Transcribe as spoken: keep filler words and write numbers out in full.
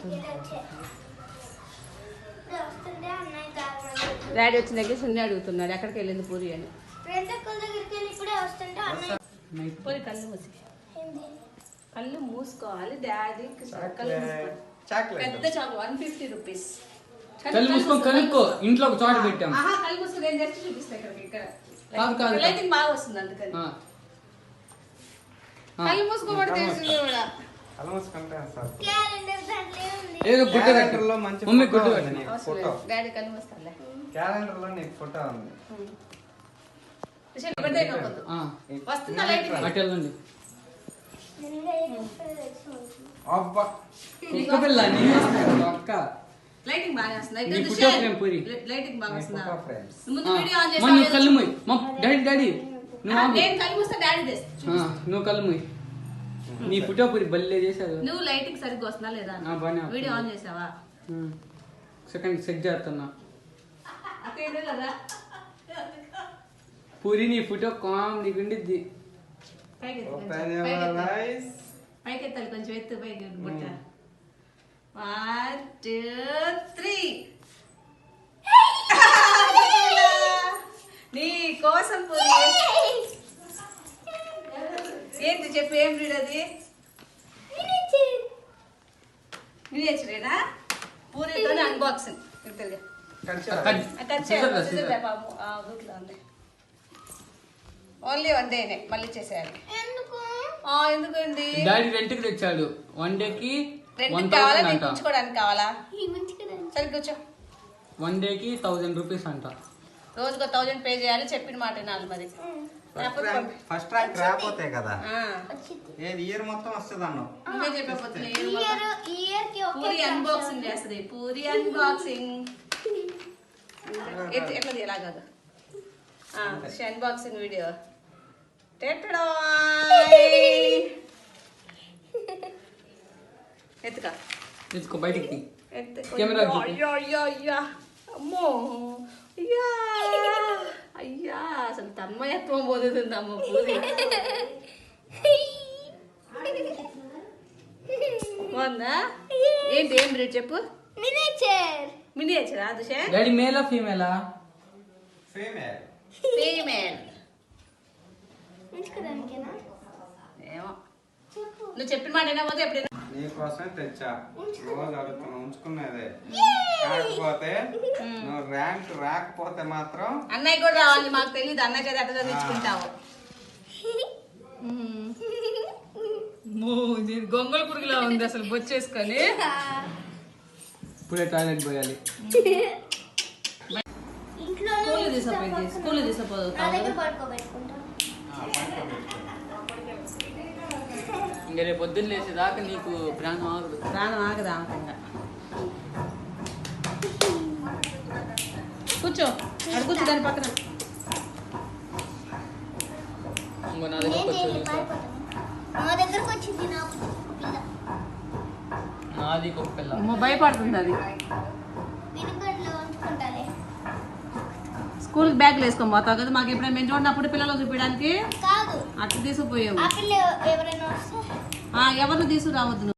Daddy వచ్చిన దగ్గర సున్ని అడుగుతున్నాడు ఎక్కడికి వెళ్ళింది పూరి అని. పూరి కళ్ళు మూసి కళ్ళు మూసుకోవాలి డాడీ. కళ్ళు పెద్ద చాకు వన్ ఫిఫ్టీ రూపీస్. కళ్ళు మూసుకొని కనుక్కో. ఇంట్లో ఒక చోట పెట్టాం. కళ్ళు మూసుకొని నేను జస్ట్ చూపిస్తా ఇక్కడికి. ఇక్కడ లైటింగ్ బాగా వస్తుంది అందుకని. కళ్ళు మూసుకోబడి తెలుసు కూడా. ఏదో గుడ్డ కట్టలో మంచి మమ్మీ గుడ్డ కట్టని ఫోటో డాడీ కళ్ళు మూస్తాలే. క్యాలెండర్ లో నీకు ఫోటో ఉంది. ఆ వస్తుందా లైటింగ్? అటు వెళ్ళండి. అబ్బా కుక్క పిల్ల నీ అక్క లైటింగ్ బాగా వస్తుంది. నీ ఫోటో ఫ్రేమ్ పూరి. లైటింగ్ బాగా వస్తుందా? ఫోటో ఫ్రేమ్స్ ముందు వీడియో ఆన్ చేసి మమ్మీ కళ్ళు మూయి. మమ్ డాడీ డాడీ నువ్వు ఆగు. నేను కళ్ళు మూస్తా డాడీ దేస్. నువ్వు కళ్ళు మూయి. నీ ఫోటో పూరి బల్లే చేశారు. నువ్వు లైటింగ్ సరిగ్గా వస్తుందా లేదా? ఆ బానే. వీడియో ఆన్ చేసావా? సెకండ్ సెట్ చేస్తున్నా. అక్కడ లేదా పూరి నీ ఫోటో కామెడీ ఉండిద్ది. పైకి ఓపెన్ యువర్ ఐస్. పైకి ఎత్తాలి కొంచెం ఎత్తు పైకి బుట్ట. One two three. నీ కోసం పూరి. ఏంటి చెప్పు ఏం రీడ్ అది? మినియేచరేనా? పూరితో అన్బాక్సింగ్. ఓన్లీ వన్ డేనే మళ్ళీ చేసేయాలి. ఎందుకండి డాడీ రెంట్ కి తెచ్చాడు. వన్ డే కి రెంట్ కావాలా? నీకు ఉంచుకోవడానికి కావాలా? సరే కూర్చో. వన్ డే కి థౌసండ్ రూపీస్ అంట. రోజుకో థౌసండ్ పే చేయాలి. చెప్పిన మాట వినాలి మరి. ఫస్ట్ ర్యాంక్ రాకపోతే కదా ఏది ఇయర్ మొత్తం వస్తుంది అన్నావు. నువ్వే చెప్పకపోతే పూరి అన్బాక్సింగ్ చేస్తుంది. పూరి అన్బాక్సింగ్ ఎట్లా ఎలా కాదు అన్బాక్సింగ్ వీడియో. ఎత్తుక ఎత్తుకో బయటికి. కెమెరా అమ్మో అయ్యా అయ్యా అసలు తన్మయత్వం పోతుంది అమ్మ పూరి. బాగుందా? ఏంటి ఏం రేట్ చెప్పు? మినియేచర్. మినియేచరా దుషే? డాడీ మేలా ఫీమేలా? ఫీమేల్. ఫీమేల్. ఏమో నువ్వు చెప్పిన మాట అయినా పోతే ఎప్పుడైనా నీకోసమే తెచ్చా. రోజు అడుగుతున్నా ఉంచుకునేదే. కాకపోతే నువ్వు ర్యాంక్ రాకపోతే మాత్రం అన్నయ్య కూడా రావాలి. మాకు తెలియదు అన్నయ్య చేత అట్లా చదివించుకుంటావు. గొంగళ పురుగులా ఉంది అసలు బొచ్చేసుకొని. ఇప్పుడే టాయిలెట్ పోయాలి. స్కూల్ తీసుకుపోయింది. స్కూల్ తీసుకుపోదు ఇంకా రేపు పొద్దున్న లేచేదాకా నీకు ప్రాణం ఆగదు. ప్రాణం ఆగదా అనుకుంటా. కూర్చో అక్కడ కూర్చో దాని పక్కన. ఇంకో నా దగ్గరకు వచ్చింది నాది కుక్క పిల్ల. భయపడుతుంది అది. స్కూల్ బ్యాగ్లు వేసుకొని పోతావు కదా. మాకు ఎప్పుడైనా మేము చూడనప్పుడు పిల్లలు చూపించడానికి అట్లా తీసుకుపోయావు. ఎవరిని తీసుకురావద్దు.